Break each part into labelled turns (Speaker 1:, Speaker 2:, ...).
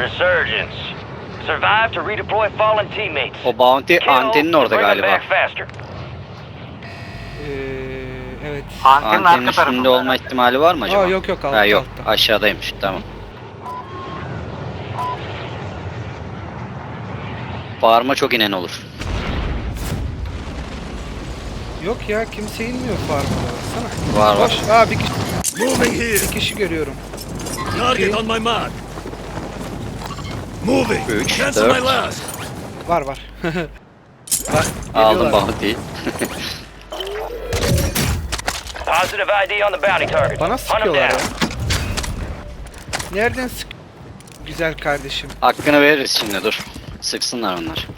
Speaker 1: resurgence. Survive to redeploy fallen teammates.
Speaker 2: O bounty
Speaker 1: Kill
Speaker 2: antenin
Speaker 1: to
Speaker 2: orada
Speaker 1: bring them
Speaker 2: galiba.
Speaker 1: back faster.
Speaker 3: Evet.
Speaker 4: Antenin
Speaker 2: Antenin
Speaker 4: arka
Speaker 2: üstünde
Speaker 4: tarafında.
Speaker 2: olma ihtimali var mı acaba?
Speaker 3: Aa, yok altta,
Speaker 2: Ha, yok
Speaker 3: altta.
Speaker 2: aşağıdaymış, tamam. Bağırma çok inen olur.
Speaker 3: Yok ya, kimse inmiyor farmada, baksana.
Speaker 2: Var, var.
Speaker 3: Boş. Aa, bir kişi,
Speaker 5: Moving here.
Speaker 3: bir kişi görüyorum.
Speaker 5: Target on my mark. Moving.
Speaker 2: 3,
Speaker 5: Cancel
Speaker 2: 4.
Speaker 5: my last.
Speaker 3: Var var. Bak,
Speaker 2: Aldım
Speaker 3: geliyorlar.
Speaker 2: bounty'yi.
Speaker 1: Positive ID on the bounty target.
Speaker 3: Bana
Speaker 1: Hunt 'em
Speaker 3: sıkıyorlar ya.
Speaker 1: down.
Speaker 3: Nereden sık? Güzel kardeşim.
Speaker 2: Hakkını veririz şimdi, dur. Sıksınlar onlar.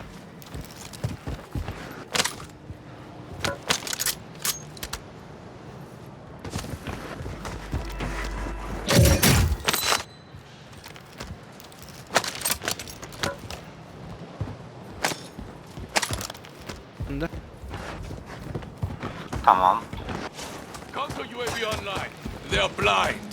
Speaker 4: Tamam.
Speaker 5: Counter UAV online. They are blind.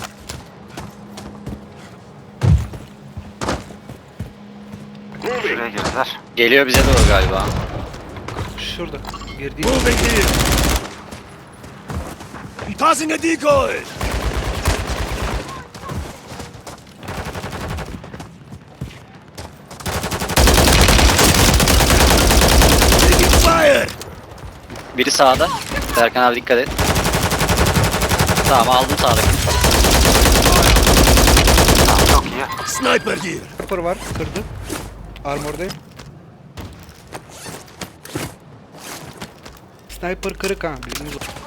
Speaker 4: Şuraya girdiler.
Speaker 2: Geliyor bize doğru galiba.
Speaker 3: Şurada. Girdiğim.
Speaker 5: Moving here. Passing a decoy. Taking fire.
Speaker 2: Biri sağda. Serkan abi dikkat et. Tamam, aldım sağdaki.
Speaker 4: Tamam, çok iyi.
Speaker 5: Sniper here.
Speaker 3: Sniper var. Kırdı. Armordayım. Sniper kırık ha. Bilginiz olsun.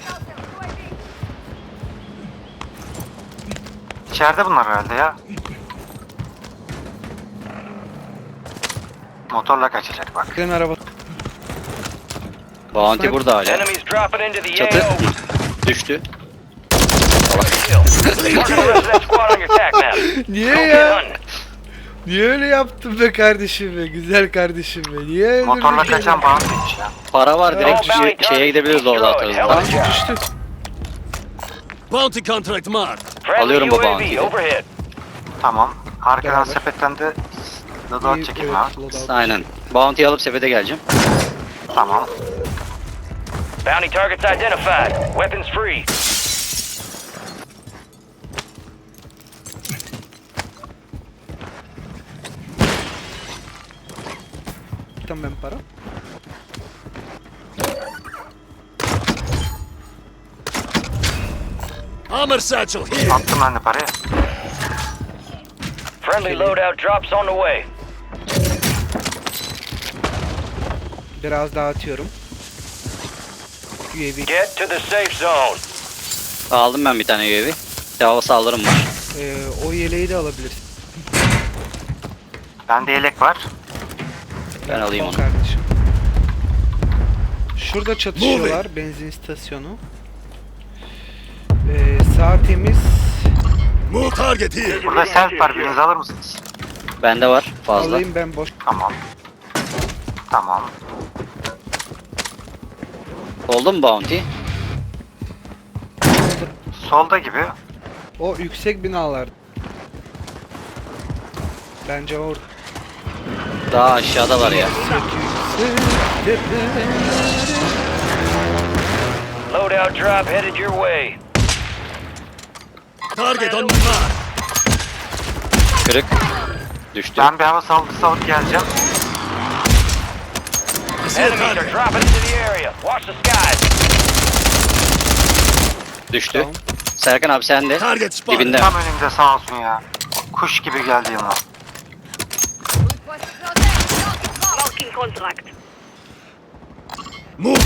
Speaker 4: İçeride bunlar herhalde ya. Motorla kaçacak bak.
Speaker 3: Gelen araba.
Speaker 2: Bounty burada hala.
Speaker 1: Enemies dropping into the
Speaker 2: Çatı.
Speaker 1: AO.
Speaker 2: Düştü.
Speaker 1: Kill. Mark the rest of that squad on your attack map.
Speaker 3: Niye
Speaker 1: Go get
Speaker 3: ya?
Speaker 1: hunting.
Speaker 3: Niye öyle yaptın be kardeşim be? Güzel kardeşim be. Niye öyle
Speaker 4: Motorla
Speaker 3: bir şey
Speaker 4: kaçan
Speaker 3: yaptın?
Speaker 4: bağımlıymış ya.
Speaker 2: Para var, direkt
Speaker 1: All bounty
Speaker 2: şeye gidebiliriz
Speaker 1: targets
Speaker 2: orada
Speaker 1: destroyed.
Speaker 2: atarız.
Speaker 1: Hell of a
Speaker 2: Tamam.
Speaker 1: job.
Speaker 3: Düştü.
Speaker 5: Bounty contract marked.
Speaker 1: Friendly
Speaker 2: Alıyorum bu
Speaker 1: UAV
Speaker 2: bounty'yi.
Speaker 1: overhead.
Speaker 4: Tamam. Arkadan
Speaker 3: Beraber.
Speaker 4: sepetten de loadout çekeyim
Speaker 3: Evet,
Speaker 4: abi.
Speaker 3: loadout.
Speaker 2: Aynen. Bounty'yi alıp sepete geleceğim.
Speaker 4: Tamam.
Speaker 1: Bounty targets identified. Weapons free.
Speaker 3: Tamam, ben para.
Speaker 5: Armor satchel here.
Speaker 4: Attım ben de parayı.
Speaker 1: Friendly loadout drops on the way.
Speaker 3: Biraz daha atıyorum. UAV.
Speaker 1: Get to the safe zone.
Speaker 2: Aldım ben bir tane UAV. Hava saldırım var.
Speaker 3: O yeleği de alabilirsin.
Speaker 4: Bende yelek var.
Speaker 2: Ben alayım
Speaker 3: Al
Speaker 2: onu.
Speaker 3: kardeşim. Şurada çatışıyorlar. Benzin istasyonu. Sağ temiz.
Speaker 5: Move target here.
Speaker 4: Burada self var. Biriniz alır mısınız?
Speaker 2: Bende var fazla.
Speaker 3: Alayım ben boş.
Speaker 4: Tamam. Tamam.
Speaker 2: Oldu mu bounty?
Speaker 4: Solda gibi.
Speaker 3: O yüksek binalar. Bence orada.
Speaker 2: Daha aşağıda var ya.
Speaker 1: Loadout drop headed your way.
Speaker 5: Target on my mark.
Speaker 2: Kırık. Düştü.
Speaker 4: Ben bir hava saldırısı alıp geleceğim.
Speaker 5: I see a
Speaker 1: Enemies are
Speaker 5: target.
Speaker 1: dropping into the area. Watch the skies.
Speaker 2: Düştü.
Speaker 3: Tamam.
Speaker 2: Serkan abi sen de.
Speaker 5: Target spotted.
Speaker 2: Dibinde.
Speaker 4: Tam önümde sağ olsun ya. Kuş gibi geldi yanıma.
Speaker 6: Marking contract.
Speaker 5: Moving.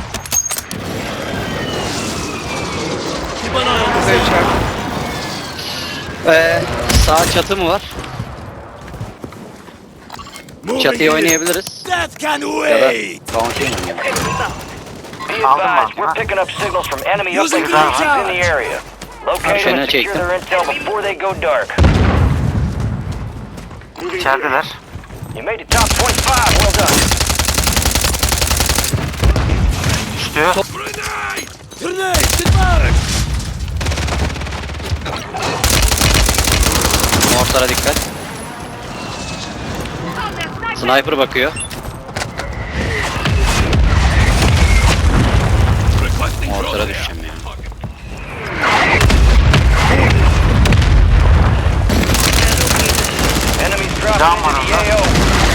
Speaker 5: Keep an eye on the
Speaker 3: Burada içeride.
Speaker 2: Sağ çatı mı var?
Speaker 5: moving
Speaker 2: Çatıyı
Speaker 5: here.
Speaker 2: oynayabiliriz.
Speaker 5: That can
Speaker 2: Ya da
Speaker 5: wait.
Speaker 2: bounty oynayalım.
Speaker 1: Be
Speaker 4: Aldım
Speaker 1: advised,
Speaker 4: ben.
Speaker 1: we're picking up signals from enemy
Speaker 5: Using
Speaker 1: uplink
Speaker 5: the
Speaker 1: forces in the
Speaker 5: charge.
Speaker 1: area. Locate them
Speaker 2: Şöyle
Speaker 1: and secure
Speaker 2: çektim.
Speaker 1: their intel before they go dark.
Speaker 4: İçerideler.
Speaker 1: You made it top 25. Well done.
Speaker 4: Düştü.
Speaker 5: Grenade. Grenade. Get back.
Speaker 2: Mortara dikkat. Sniper bakıyor.
Speaker 5: Requesting
Speaker 2: Mortara
Speaker 5: drone
Speaker 2: düşeceğim ya.
Speaker 1: Enemies dropping
Speaker 4: Down
Speaker 1: into
Speaker 4: one
Speaker 1: the
Speaker 4: of them.
Speaker 1: AO.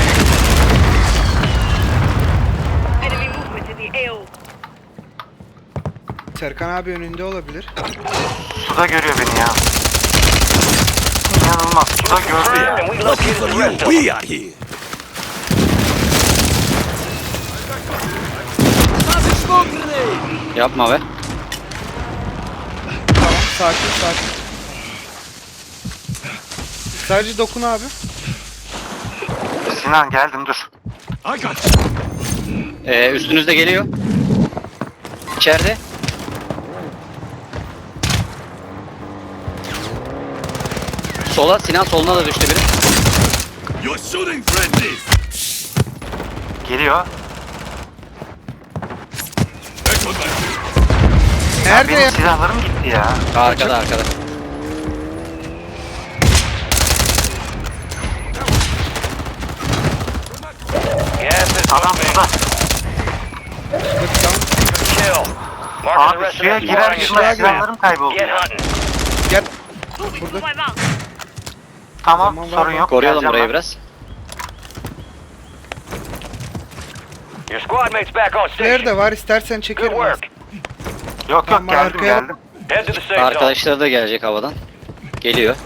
Speaker 6: Enemy movement in the AO.
Speaker 3: Serkan abi önünde olabilir.
Speaker 4: Suda görüyor beni ya. İnanılmaz. Suda gördü ya.
Speaker 1: And we located the rest of them.
Speaker 5: We are here.
Speaker 2: Yapma be.
Speaker 3: Tamam sakin sakin. Sadece dokun abi.
Speaker 4: Sinan geldim dur.
Speaker 5: I got
Speaker 2: Üstünüzde geliyor. İçeride. Sola, Sinan soluna da düştü biri.
Speaker 5: You're shooting friendlies.
Speaker 4: Geliyor.
Speaker 5: Echo that.
Speaker 3: Nerede
Speaker 4: Benim
Speaker 3: ya?
Speaker 4: silahlarım gitti ya.
Speaker 2: Arkada arkada.
Speaker 1: Gas is
Speaker 4: Adam
Speaker 1: moving.
Speaker 4: suda.
Speaker 3: Tamam.
Speaker 1: Kill. Marking the
Speaker 4: Abi
Speaker 1: rest of
Speaker 4: suya
Speaker 1: that
Speaker 4: girer
Speaker 1: squad on your
Speaker 4: girmez
Speaker 1: attack map.
Speaker 4: silahlarım kayboldu
Speaker 1: Get
Speaker 4: ya.
Speaker 1: hunting.
Speaker 3: Gel.
Speaker 6: Moving to
Speaker 3: Burada.
Speaker 6: my mark.
Speaker 4: Tamam
Speaker 3: Tamam,
Speaker 4: sorun
Speaker 3: var.
Speaker 4: yok.
Speaker 2: Koruyalım
Speaker 4: Geleceğim
Speaker 2: burayı
Speaker 4: ben.
Speaker 2: biraz.
Speaker 1: Your squad mates back on
Speaker 3: Flare
Speaker 1: station.
Speaker 3: de var istersen
Speaker 1: Good
Speaker 3: çekerim.
Speaker 1: work.
Speaker 4: Yok yok
Speaker 3: Tamam,
Speaker 4: geldim
Speaker 3: arkaya-
Speaker 4: geldim.
Speaker 1: Head to the safe zone.
Speaker 2: Arkadaşları da gelecek havadan. Geliyor.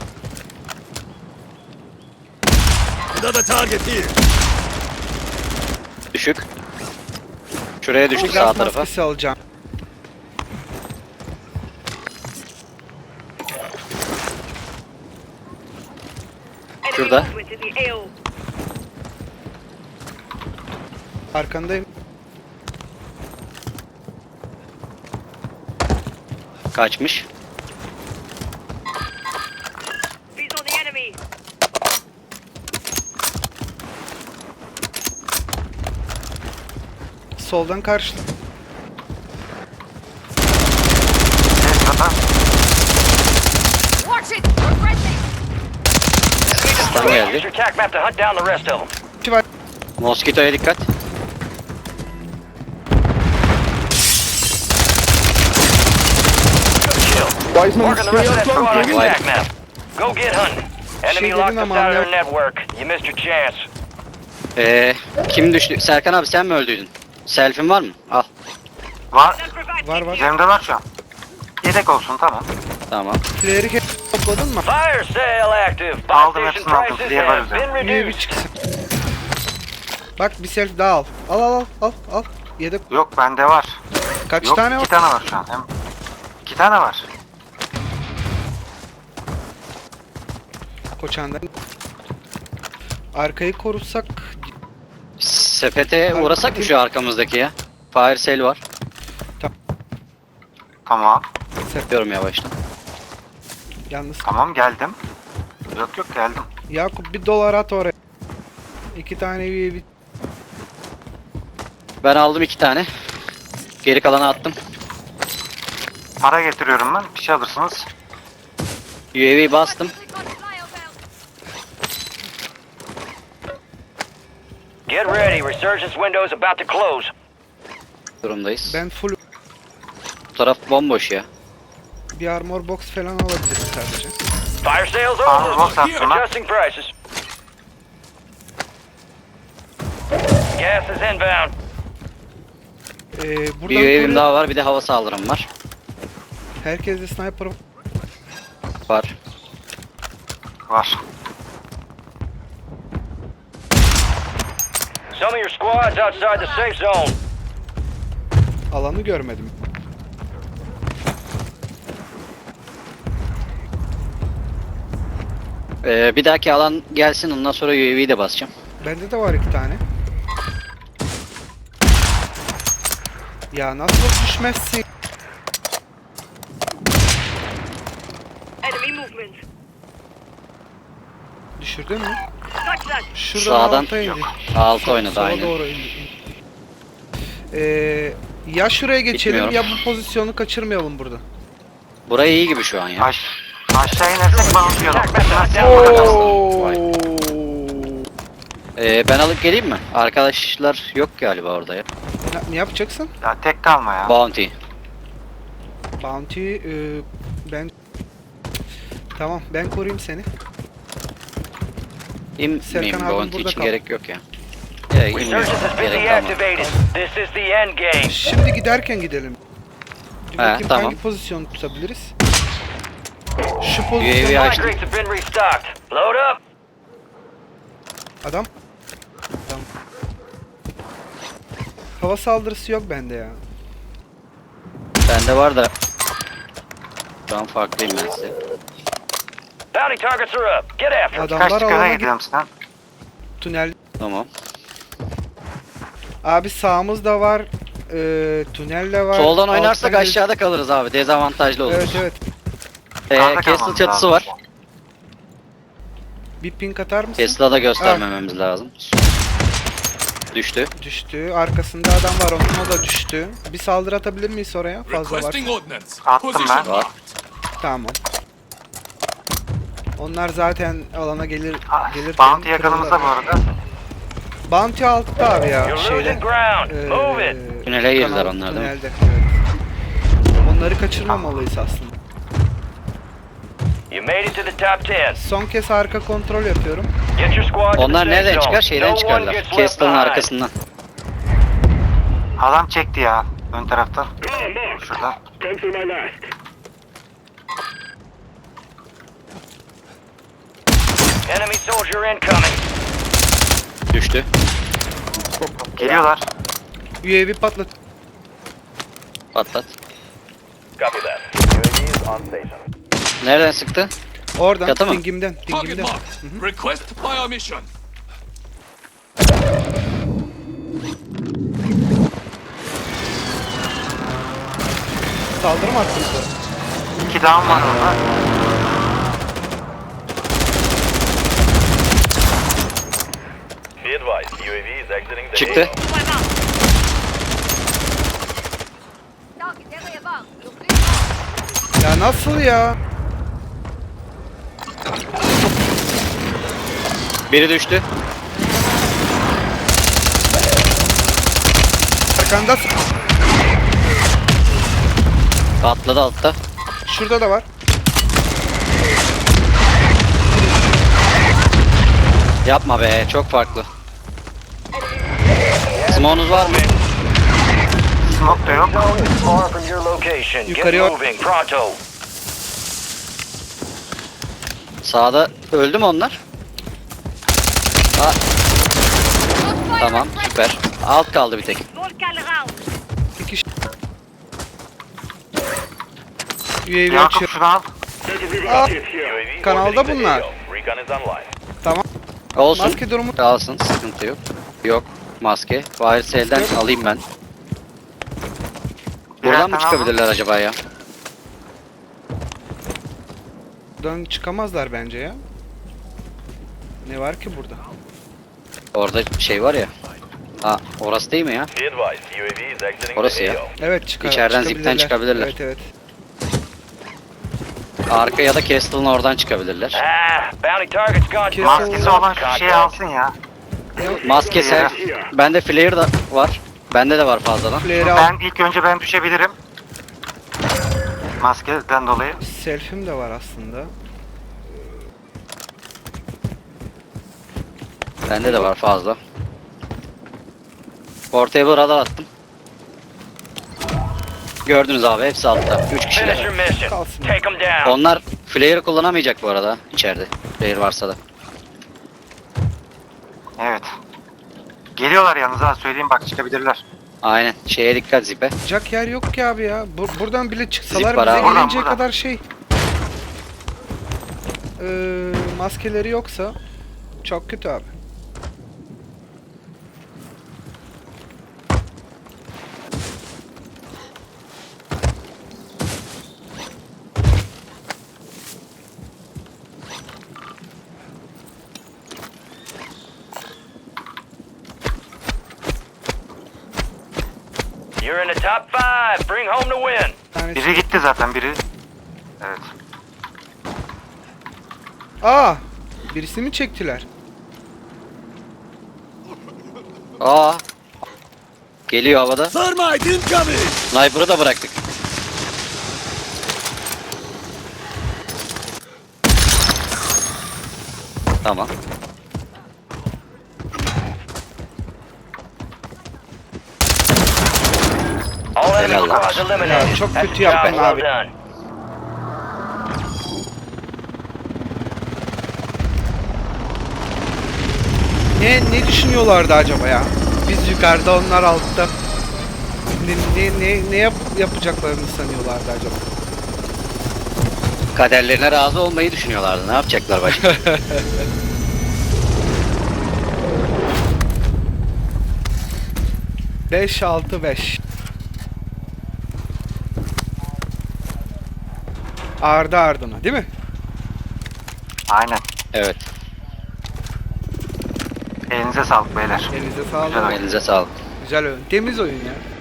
Speaker 5: Another target here.
Speaker 2: Düşük. Şuraya düştü sağ
Speaker 3: Gaz
Speaker 2: tarafa.
Speaker 3: maskesi alacağım.
Speaker 6: Enemy
Speaker 2: Şurada.
Speaker 6: movement in the AO.
Speaker 3: Arkandayım.
Speaker 2: Kaçmış.
Speaker 6: He's on the enemy.
Speaker 3: Soldan karşı.
Speaker 4: Ses kata.
Speaker 6: Watch it! We're friendly!
Speaker 2: Stun
Speaker 1: Use
Speaker 2: geldi.
Speaker 1: your attack map to hunt down the rest of them.
Speaker 3: İki var.
Speaker 2: Moskito'ya dikkat.
Speaker 1: Kill. Marking the rest of that squad on your attack map. Go get hunting. Enemy
Speaker 3: dedin
Speaker 1: locked us
Speaker 3: ama
Speaker 1: out of their
Speaker 3: anlayam-
Speaker 1: network. You missed your chance.
Speaker 2: Kim düştü? Serkan abi sen mi öldüydün? Selfie'in var mı? Al.
Speaker 4: Var.
Speaker 6: Self-revive
Speaker 3: Var
Speaker 6: kit
Speaker 3: var.
Speaker 6: here.
Speaker 4: Üzerimde var şu an. Yedek olsun tamam.
Speaker 2: Tamam.
Speaker 3: Flare'i topladın mı?
Speaker 1: Fire sale active. Buy
Speaker 4: Aldım,
Speaker 1: station
Speaker 4: hepsini aldım.
Speaker 1: prices
Speaker 4: Diğer var
Speaker 1: have been
Speaker 3: UAV
Speaker 1: reduced.
Speaker 3: çıksın. Bak bir selfie daha al. Al al al al al. Yedek.
Speaker 4: Yok bende var.
Speaker 3: Kaç
Speaker 4: Yok
Speaker 3: tane var?
Speaker 4: 2 tane var şu an. Hem 2 tane var.
Speaker 3: Koçan'dan. Arkayı korursak
Speaker 2: Sepete uğrasak mı şu arkamızdaki ya? Fire sale var.
Speaker 4: Tamam.
Speaker 2: Yapıyorum yavaştan.
Speaker 3: yalnız.
Speaker 4: Tamam geldim. Yok yok geldim.
Speaker 3: Yakup bir dolar at oraya. 2 tane UAV.
Speaker 2: Ben aldım 2 tane. Geri kalanı attım.
Speaker 4: Para getiriyorum ben. Bir şey alırsınız.
Speaker 2: UAV bastım.
Speaker 1: Get ready. Resurgence window is about to close.
Speaker 2: Durumdayız.
Speaker 3: Ben full
Speaker 2: Bu taraf bomboş ya.
Speaker 3: bir armor box falan alabilirim sadece.
Speaker 1: Fire sales
Speaker 4: Armor
Speaker 1: over.
Speaker 4: box attım ben.
Speaker 1: Adjusting prices. Gas is inbound.
Speaker 3: Buradan
Speaker 2: Bir UAV'm
Speaker 3: koru-
Speaker 2: daha var, bir de hava saldırım var.
Speaker 3: Herkeste sniper var.
Speaker 2: Var.
Speaker 4: Var.
Speaker 1: Some of your squads outside the safe zone.
Speaker 3: Alanı görmedim.
Speaker 2: Bir dahaki alan gelsin, ondan sonra UAV'yi de basacağım.
Speaker 3: Bende de var 2 tane. Ya nasıl düşmezsin?
Speaker 6: Enemy movement.
Speaker 3: Düşürdün mü?
Speaker 6: Touch that.
Speaker 3: Şuradan
Speaker 2: Sağdan
Speaker 3: alta indi.
Speaker 2: altı oynadı
Speaker 3: Sola
Speaker 2: aynen.
Speaker 3: doğru indi. Ya şuraya geçelim
Speaker 2: Bilmiyorum.
Speaker 3: ya bu pozisyonu kaçırmayalım burada.
Speaker 2: Burayı iyi gibi şu an ya.
Speaker 4: Aşağı inersek bağlayalım.
Speaker 1: Attack map to hunt down the rest of them.
Speaker 2: Vay. Ben alıp geleyim mi? Arkadaşlar yok galiba orada ya.
Speaker 3: Ne yapacaksın?
Speaker 4: Ya tek kalma ya.
Speaker 2: Bounty.
Speaker 3: Bounty ben tamam ben koruyayım seni.
Speaker 2: İnmeyeyim,
Speaker 3: Serkan abim
Speaker 2: bounty
Speaker 3: burada
Speaker 2: için
Speaker 3: kal.
Speaker 2: gerek yok ya. Ya inmiyorum.
Speaker 1: Resurgence has been
Speaker 2: Gerek kalmadı.
Speaker 1: deactivated. This is the end game.
Speaker 3: Şimdi giderken gidelim. Dur bakayım
Speaker 2: tamam.
Speaker 3: hangi pozisyon tutabiliriz? Şu
Speaker 2: UAV
Speaker 3: pozisyon
Speaker 1: Supply
Speaker 2: açtım.
Speaker 1: crates have been restocked. Load up.
Speaker 3: adam. Tamam. Hava saldırısı yok bende ya.
Speaker 2: Bende var da. Şu an farklıyım ben size.
Speaker 1: Bounty targets are up. Get after 'em.
Speaker 4: Kaç
Speaker 3: Adamlar
Speaker 4: dakikada
Speaker 3: alana git
Speaker 4: gidiyorum sen?
Speaker 3: tünel.
Speaker 2: Tamam.
Speaker 3: Abi sağımızda var. Tünel de var.
Speaker 2: Soldan oynarsak
Speaker 3: alttan
Speaker 2: aşağıda kalırız abi. Dezavantajlı olur.
Speaker 3: Evet evet.
Speaker 4: Sağda
Speaker 2: Castle
Speaker 4: kalmamız
Speaker 2: çatısı
Speaker 4: lazım.
Speaker 2: var.
Speaker 3: Bir ping atar mısın?
Speaker 2: Castle'a da göstermememiz lazım. Düştü.
Speaker 3: Düştü. Arkasında adam var onun o da düştü. Bir saldırı atabilir miyiz oraya? Fazla var.
Speaker 5: Requesting ordnance.
Speaker 4: Attım
Speaker 5: Position
Speaker 4: ben.
Speaker 5: marked.
Speaker 3: Tamam. Onlar zaten alana gelir
Speaker 4: Ah,
Speaker 3: gelir.
Speaker 4: Bounty yakınımızda bu arada.
Speaker 3: Bounty altta abi ya
Speaker 1: You're
Speaker 3: şeyde.
Speaker 1: losing ground. Move it.
Speaker 2: Tünele girdiler
Speaker 3: kanal-
Speaker 2: onlar, değil mi?
Speaker 3: tünelde, evet. Onları kaçırmamalıyız aslında.
Speaker 1: You made it to the top 10.
Speaker 3: Son kez arka kontrol yapıyorum.
Speaker 1: Get your squad to the
Speaker 2: Onlar
Speaker 1: safe
Speaker 2: nereden
Speaker 1: zone.
Speaker 2: çıkar? Şeyden
Speaker 1: No one
Speaker 2: çıkarlar.
Speaker 1: gets left
Speaker 2: Castle'ın
Speaker 1: behind.
Speaker 2: arkasından.
Speaker 4: Adam çekti ya ön tarafta. Şurada.
Speaker 1: Enemy soldier incoming.
Speaker 2: Düştü.
Speaker 4: Geliyorlar.
Speaker 3: UAV patlat.
Speaker 2: Patlat.
Speaker 1: Copy that. UAV is on station.
Speaker 2: Nereden sıktı?
Speaker 3: Oradan
Speaker 2: Yatı mı?
Speaker 3: dingimden.
Speaker 5: Target
Speaker 3: Dingimden.
Speaker 5: marked. Request fire mission.
Speaker 3: Saldırı mı attın?
Speaker 4: 2 down var orada.
Speaker 1: Be advised, UAV is exiting the
Speaker 2: Çıktı.
Speaker 6: Target derrière bas. You're clear.
Speaker 3: Ya nasıl ya?
Speaker 2: Biri düştü.
Speaker 3: Arkanda
Speaker 2: Atladı altta.
Speaker 3: şurada da var.
Speaker 2: Yapma be, çok farklı. Smoke'unuz var mı?
Speaker 4: Smoke da yok.
Speaker 1: Zone is far from your location. Get
Speaker 3: Yukarıya-
Speaker 1: moving, pronto.
Speaker 2: Sağda öldü mü onlar? Aa, tamam, süper. Alt kaldı bir tek.
Speaker 6: Volcan round.
Speaker 3: Bir kişi. UAV
Speaker 4: Yakup
Speaker 3: açıyor.
Speaker 4: şunu al.
Speaker 1: UAV
Speaker 3: kanalda
Speaker 1: orbiting the
Speaker 3: bunlar.
Speaker 1: AO. Recon is online.
Speaker 3: Tamam.
Speaker 2: Olsun.
Speaker 3: Maske durumu.
Speaker 2: Kalsın, sıkıntı yok. Yok, maske. Wiresel'den
Speaker 3: Maske.
Speaker 2: alayım ben.
Speaker 4: Birer
Speaker 2: Buradan mı
Speaker 4: tane
Speaker 2: çıkabilirler acaba ya?
Speaker 3: Buradan çıkamazlar bence ya. Ne var ki burada?
Speaker 2: Orada şey var ya. Ha, orası değil mi ya?
Speaker 1: Be advised, UAV is exiting
Speaker 2: Orası
Speaker 1: the
Speaker 2: ya.
Speaker 1: AO.
Speaker 3: Evet
Speaker 2: İçeriden zipten çıkabilirler.
Speaker 3: Evet evet.
Speaker 2: Arka ya da Castle'ın oradan çıkabilirler.
Speaker 1: Ah, bounty target's gone.
Speaker 3: Kes-
Speaker 4: Maskesi olan şu şeyi alsın ya.
Speaker 2: Maske sen. Bende flare da var. Bende de var fazladan.
Speaker 3: Flare'i al.
Speaker 4: Ben ilk önce ben düşebilirim. Maskeden dolayı.
Speaker 3: Selfie'm de var aslında.
Speaker 2: Bende de var fazla. Ortaya bir radar attım. Gördünüz abi, hepsi altta. 3
Speaker 1: Finish your
Speaker 2: kişiler.
Speaker 1: mission.
Speaker 3: Kalsın.
Speaker 1: Take them down.
Speaker 2: Onlar flare kullanamayacak bu arada içeride. Flare varsa da.
Speaker 4: Evet. Geliyorlar yalnız ha söyleyeyim bak çıkabilirler.
Speaker 2: Aynen. Şeye dikkat zipe.
Speaker 3: Çıkacak yer yok ki abi ya. Buradan bile çıksalar
Speaker 2: Zip var
Speaker 3: bize
Speaker 2: abi.
Speaker 3: gelinceye
Speaker 4: Buradan.
Speaker 3: kadar şey. Maskeleri yoksa çok kötü abi.
Speaker 1: You're in the top 5. Bring home the win.
Speaker 3: Bir tanesi-
Speaker 4: Biri gitti zaten biri. Evet.
Speaker 3: Aa! Birisini mi çektiler?
Speaker 2: Aa. Geliyor havada.
Speaker 5: Thermite incoming!
Speaker 2: Sniper'ı da bıraktık. Tamam.
Speaker 1: All enemy
Speaker 2: Helal lan.
Speaker 1: squads eliminated.
Speaker 3: Ya, çok
Speaker 1: That's
Speaker 3: kötü
Speaker 1: the job
Speaker 3: yaptın
Speaker 1: well
Speaker 3: abi.
Speaker 1: done.
Speaker 3: Ne düşünüyorlardı acaba ya? Biz yukarıda, onlar altta. Ne yapacaklarını sanıyorlardı acaba?
Speaker 2: Kaderlerine razı olmayı düşünüyorlardı. Ne yapacaklar başka?
Speaker 3: 5-6-5. Ardı ardına değil mi?
Speaker 4: Aynen.
Speaker 2: Evet.
Speaker 4: Elinize sağlık beyler.
Speaker 3: Elinize sağlık.
Speaker 4: Güzel oyun.
Speaker 2: Elinize sağlık.
Speaker 3: Güzel oyun. Temiz oyun ya.